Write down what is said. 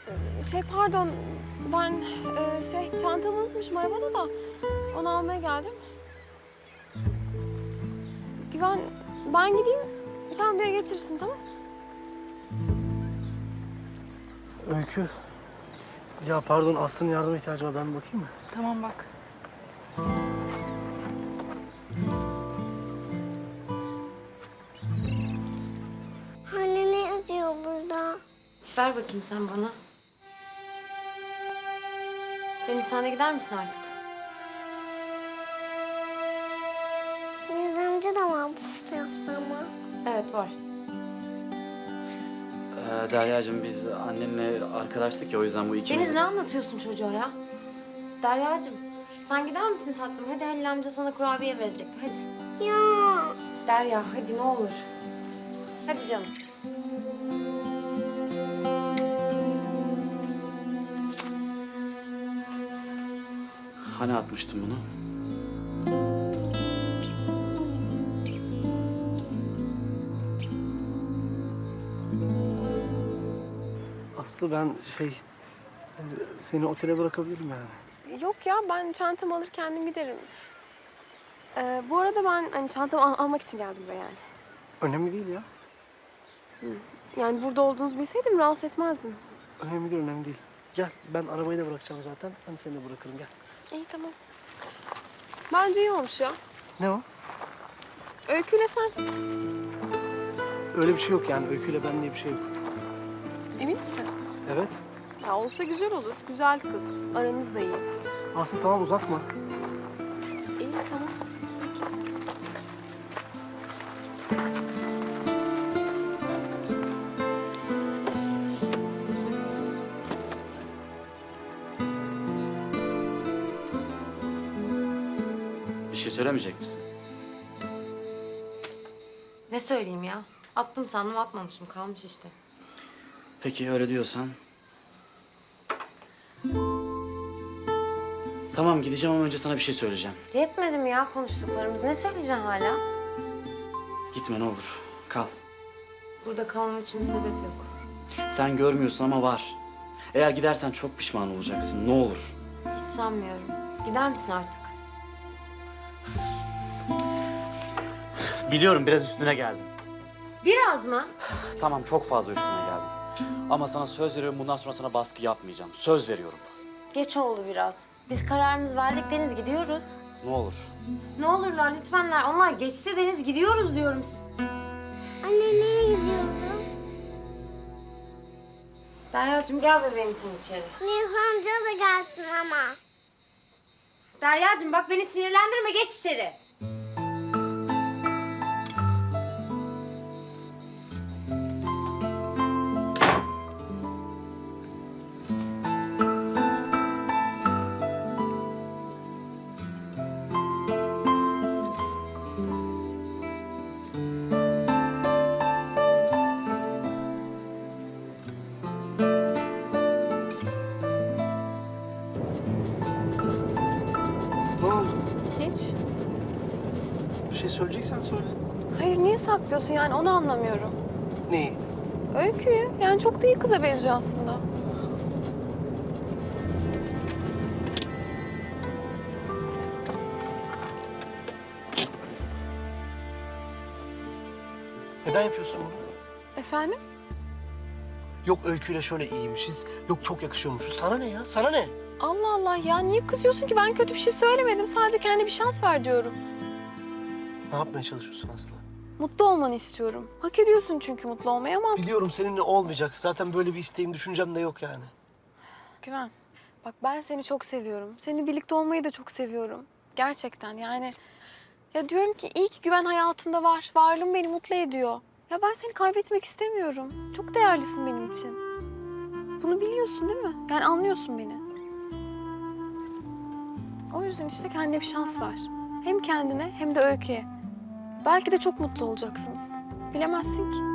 Pardon. Ben çantamı unutmuşum arabada da. Onu almaya geldim. Güven, ben gideyim. Sen bir yere getirirsin, tamam? Öykü. Ya pardon, Aslı'nın yardıma ihtiyacı var. Ben bir bakayım mı? Tamam bak. Anne ne yazıyor burada? Ver bakayım sen bana. Deniz, sen de gider misin artık? Deniz amca da var bu fotoğrafta ama. Evet, var. Derya'cığım biz annenle arkadaştık ya, o yüzden bu ikimiz... Deniz, ne anlatıyorsun çocuğa ya? Derya'cığım, sen gider misin tatlım? Hadi Halil amca sana kurabiye verecek. Hadi. Ya. Derya, hadi ne olur. Hadi canım. Hani atmıştın bunu? Aslı ben seni otele bırakabilirim yani. Yok ya, ben çantamı alır kendim giderim. Bu arada ben hani çantamı almak için geldim buraya yani. Önemli değil ya. Yani burada olduğunuzu bilseydim rahatsız etmezdim. Önemli değil, önemli değil. Gel, ben arabayı da bırakacağım zaten. Ben seni de bırakırım, gel. İyi, tamam. Bence iyi olmuş ya. Ne o? Öyküyle sen. Öyle bir şey yok yani. Öyküyle ben diye bir şey yok. Emin misin? Evet. Ya olsa güzel olur. Güzel kız. Aranız da iyi. Aslı tamam, uzatma. İyi, tamam. Peki. Bir şey söylemeyecek misin? Ne söyleyeyim ya? Attım sandım, atmamışım. Kalmış işte. Peki öyle diyorsan. Tamam, gideceğim ama önce sana bir şey söyleyeceğim. Yetmedi mi ya konuştuklarımız? Ne söyleyeceksin hala? Gitme ne olur, kal. Burada kalmam için bir sebep yok. Sen görmüyorsun ama var. Eğer gidersen çok pişman olacaksın, ne olur. Hiç sanmıyorum. Gider misin artık? Biliyorum biraz üstüne geldim. Biraz mı? Tamam, çok fazla üstüne geldim. Ama sana söz veriyorum, bundan sonra sana baskı yapmayacağım. Söz veriyorum. Geç oldu biraz. Biz kararımızı verdik Deniz, gidiyoruz. Ne olur. Ne olurlar lütfenler. Onlar geçti Deniz, gidiyoruz diyorum. Anne nereye gidiyorsun? Derya'cığım gel bebeğim sen içeri. Deniz amca da gelsin ama. Derya'cığım bak beni sinirlendirme, geç içeri. Ne oldu? Hiç. Bir şey söyleyeceksen söyle. Hayır, niye saklıyorsun yani, onu anlamıyorum. Neyi? Öykü'yü, yani çok da iyi kıza benziyor aslında. Neden yapıyorsun bunu? Efendim? Yok öyküyle şöyle iyiymişiz. Yok çok yakışıyormuşuz. Sana ne ya? Sana ne? Allah Allah ya, niye kızıyorsun ki? Ben kötü bir şey söylemedim. Sadece kendi bir şans ver diyorum. Ne yapmaya çalışıyorsun Aslı? Mutlu olmanı istiyorum. Hak ediyorsun çünkü mutlu olmayı ama... Biliyorum seninle olmayacak. Zaten böyle bir isteğim, düşüncem de yok yani. Güven, bak ben seni çok seviyorum. Seninle birlikte olmayı da çok seviyorum. Gerçekten yani... Ya diyorum ki iyi ki Güven hayatımda var. Varlığın beni mutlu ediyor. Ya ben seni kaybetmek istemiyorum. Çok değerlisin benim için. Bunu biliyorsun değil mi? Yani anlıyorsun beni. O yüzden işte kendine bir şans ver. Hem kendine hem de Öykü'ye. Belki de çok mutlu olacaksınız. Bilemezsin ki.